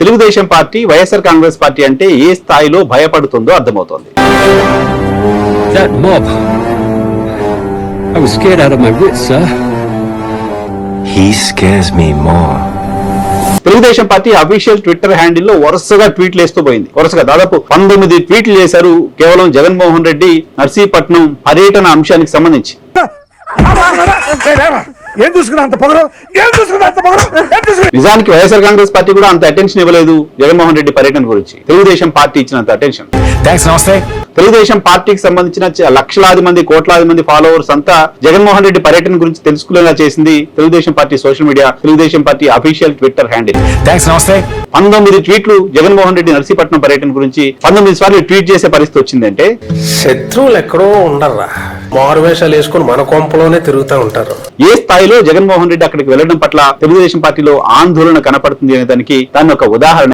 Telugu Desam party YSR Congress party అంటే ఏ స్థాయిలో భయపడుతుందో అర్థమవుతోంది. That mob. I was scared out of my wits, sir. He scares me more. Telugu Desam party official Twitter హ్యాండిల్లో వరుసగా ట్వీట్లు వేస్తూ పోయింది. వరుసగా దాదాపు 19 ట్వీట్లు చేశారు కేవలం జగన్మోహన్ రెడ్డి నర్సీపట్నం పర్యటన అంశానికి సంబంధించి. నిజానికి వైఎస్ఆర్ కాంగ్రెస్ పార్టీ కూడా అంత అటెన్షన్ ఇవ్వలేదు జగన్మోహన్ రెడ్డి పర్యటన గురించి. తెలుగుదేశం పార్టీ ఇచ్చినంత అటెన్షన్. తెలుగుదేశం పార్టీకి సంబంధించిన లక్షలాది మంది కోట్లాది మంది ఫాలోవర్స్ అంతా జగన్మోహన్ రెడ్డి పర్యటన గురించి తెలుసుకునేలా చేసింది Telugu Desam party social media, Telugu Desam party official Twitter handle. 19 ట్వీట్లు జగన్మోహన్ రెడ్డి నర్సీపట్నం పర్యటన గురించి 19 సార్లు ట్వీట్ చేసే పరిస్థితి వచ్చిందంటే శత్రువులు ఎక్కడో ఉండర్రా, మారువేషాలు వేసుకుని మన కొంపలోనే తిరుగుతూ ఉంటారు. ఏ స్థాయిలో జగన్మోహన్ రెడ్డి అక్కడికి వెళ్లడం పట్ల తెలుగుదేశం పార్టీలో ఆందోళన కనపడుతుంది అనే దానికి దాన్ని ఒక ఉదాహరణ.